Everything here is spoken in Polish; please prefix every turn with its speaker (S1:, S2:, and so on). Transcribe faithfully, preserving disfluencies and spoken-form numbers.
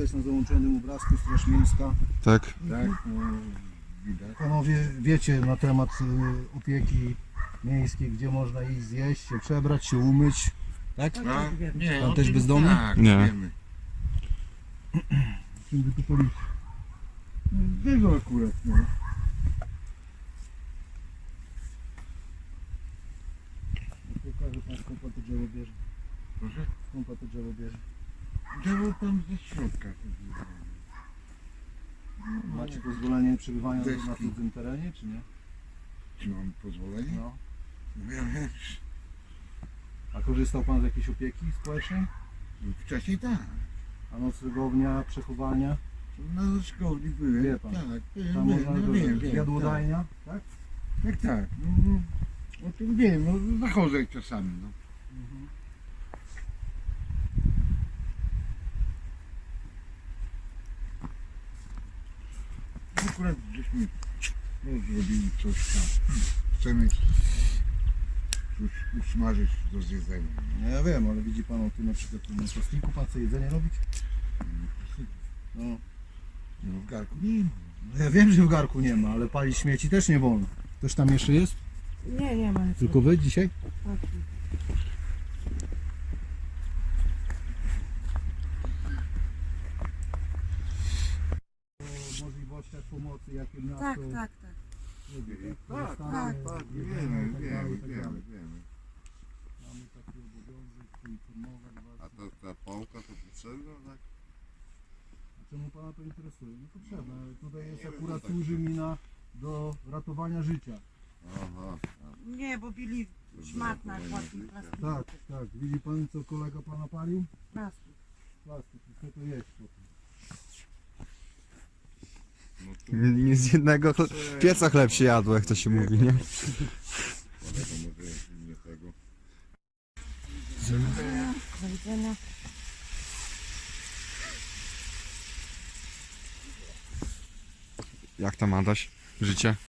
S1: jest na załączonym obrazku, Straż Miejska.
S2: Tak?
S3: Tak, no, widać.
S1: Panowie wiecie na temat y, opieki miejskiej, gdzie można iść zjeść, się przebrać, się umyć. Tak?
S3: No, nie,
S1: Pan
S3: o
S1: też
S3: tym
S1: bezdomny?
S3: Tak,
S2: Nie.
S3: wiemy.
S1: Czym by tu policzyć?
S3: Tego akurat, no.
S1: Pokażę pan, skąd pan to drzewo bierze.
S3: Proszę?
S1: Skąd pan to drzewo bierze.
S3: Drzewo tam ze środka.
S1: Macie pozwolenie na przebywania
S3: Deski.
S1: na cudzym terenie, czy nie?
S3: Czy mam pozwolenie?
S1: No.
S3: No ja wiem.
S1: A korzystał pan z jakiejś opieki społecznej?
S3: Wcześniej tak.
S1: A noclegownia, przechowania?
S3: Na szkowni byłem.
S1: Wie pan.
S3: Tak, wiem,
S1: Tam
S3: wiem,
S1: można
S3: no, wiem, wiem.
S1: jadłodajnia, tak?
S3: Tak, tak. tak. No, no, o tym wiem, no zachodzę czasami, no.
S1: Mhm.
S3: Akurat żeśmy no, zrobili coś tam. Chcemy coś usmażyć do zjedzenia.
S1: No ja wiem, ale widzi pan o tym na przykład tu na plastiku pan chce jedzenie robić? No.
S3: No w garku nie ma.
S1: No ja wiem, że w garku nie ma, ale palić śmieci też nie wolno. Ktoś tam jeszcze jest?
S4: Nie, nie ma nic.
S1: Tylko wy dzisiaj?
S4: Tak.
S1: O możliwościach pomocy, jakie miasto...
S4: Tak, tak, tak.
S1: robi,
S3: Tak,
S1: Zostanie,
S3: tak, tak,
S1: jedzenie
S3: wiemy,
S1: i tak dalej,
S3: wiemy,
S1: i tak
S3: wiemy,
S1: dalej.
S3: wiemy.
S1: Mamy taki obowiązek poinformować was.
S5: A ta, ta pałka to potrzebna, tak?
S1: A czemu pana to interesuje? Nie potrzebne. Tutaj jest akurat służy mi na do ratowania życia.
S5: Aha.
S4: Nie, bo bili szmat na chłodnym plastiku.
S1: Tak, tak. Widzi pan, co kolega pana palił?
S4: Plastik.
S1: Plastik. I co to jest potem?
S5: No to
S2: Nie, nie z jednego chle... pieca chleb się jadło, jak to się mówi, nie?
S5: kolega może nie tego.
S4: Do widzenia.
S2: Jak tam Adaś? Życie?